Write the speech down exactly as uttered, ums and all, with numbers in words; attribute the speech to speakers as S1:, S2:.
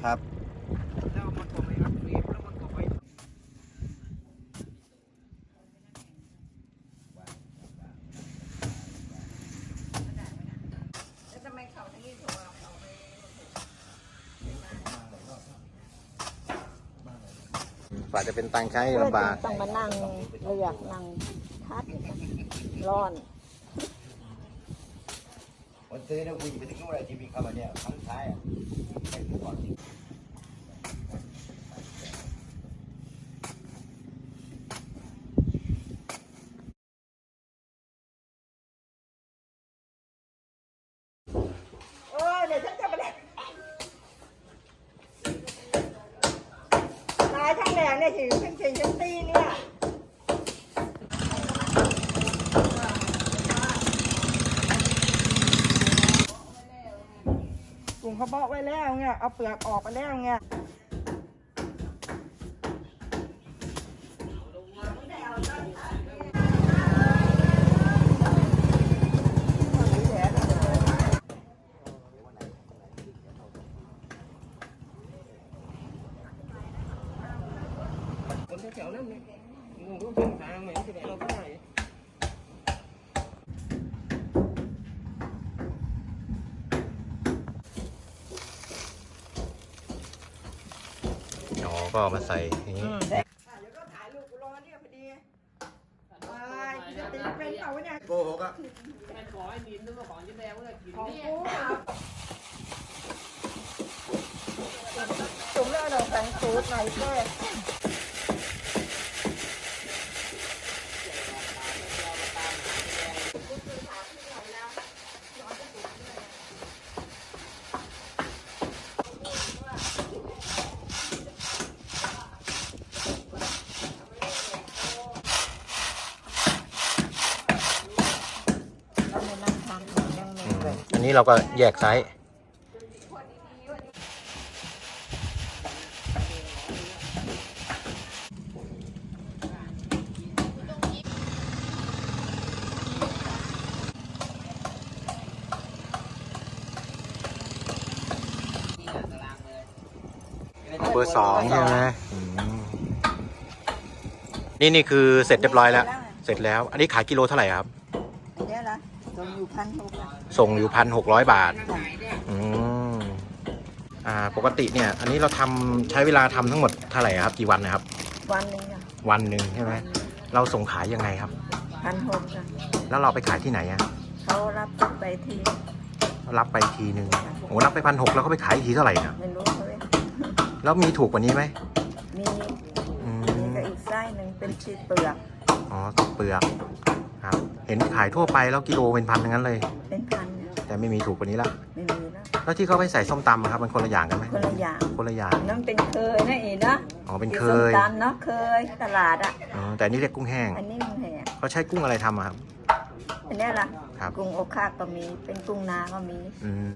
S1: ครับ
S2: แล้วมันก็ไม่อักเสบแล้วมันก็ไม่แล้วทำไมเขาทั้งนี้ถูกเอาเขาไป
S1: กว่าจะเป็นตังค์ใช้ลำบาก
S3: ต้องมานั่งเลือกนั่งทัดร้อน
S4: วันซื้อเนี่ยคุยไปถึงนู่นเลยที่มีเข้ามาเนี่ยครั้งท้ายอ่ะไปดูก่อน
S3: เออเดี๋ยวฉันจะไปเลยตายทั้งแหล่เนี่ยถึงเป็นสิ่งฉันตีเนี่ยกลุ่มเขาบอกไว้แล้วไงเอาเปลือกออกไปแล้วไง
S2: คนแถวๆนั้นเนี่ยงูก็เป็นทางไหนที่ไหนเราก็ได้
S1: อ๋อก็เอามาใส่อย่างนี้
S3: เดี๋ยวก็ถ่ายรูปกูรอเนี่ยพอดีไปจะตีเป็นเปล่าวะเนี่ย
S4: โกหกอ่ะ
S2: แม่ขอไอ้นินนึกว่าของจะแดงว่ากิน
S3: ของ
S2: เนี่ย
S3: กูจุ่มแล้วเราใส่สูตรหน่อยแค่เราไม่นั่งทานยังไม่
S1: อืม
S3: เกิด
S1: อันนี้เราก็แยกไซส์เบอร์สองใช่ไหมอืมนี่นี่คือเสร็จเรียบร้อยแล้ว เสร็จแล้ว อันนี้ขายกิโลเท่าไหร่ครับ
S3: เดี๋ยวละจนอยู่พันหก
S1: ส่งอยู่พันหกร้อยบาท อืมอ่า ปกติเนี่ย อันนี้เราทำใช้เวลาทำทั้งหมดเท่าไหร่ครับ กี่วันนะครับ
S3: วันหนึ่งอ่ะ
S1: วันหนึ่งใช่ไหม เราส่งขายยังไงครับ
S3: พันหกอ่ะ
S1: แล้วเราไปขายที่ไหนอะ
S3: เขารับไปที
S1: รับไปทีหนึ่งโอ้รับไปพันหกแล้วก็ไปขายอีกทีเท่าไหร่นะ
S3: ไม่รู้เลย
S1: แล้วมีถูกกว่านี้ไหม
S3: มี
S1: อื
S3: มี
S1: ม
S3: ก็อีกไส้หนึ่งเป็นชีสเปลือก
S1: อ๋อติดเปลือกครับ เห็นขายทั่วไปแล้วกิโลเป็นพันทั้งนั้นเลย
S3: เป็นพันเนี่ย
S1: แต่ไม่มีถูกกว่านี้ละ
S3: ไม่มีแล้ว
S1: แล้วที่เขาไปใส่ส้มตำอะครับมันคนละอย่างกันไหม
S3: คนละอย่าง
S1: คนละอย่าง
S3: นั่นเป็นเคยนะเอ๋นะ
S1: อ๋อเป็นเค
S3: ส้ม
S1: ย
S3: ตำเนาะเคยตลาดอ่ะ
S1: อ๋อแต่อันนี่เรียกกุ้งแห้ง
S3: อันนี้มันแหง
S1: เขาใช้กุ้งอะไรทำอะครับ
S3: อันเนี้ยล่ะ
S1: ครับ
S3: กุ้งโอคาก็มีเป็นกุ้งนาก็มี
S1: อืม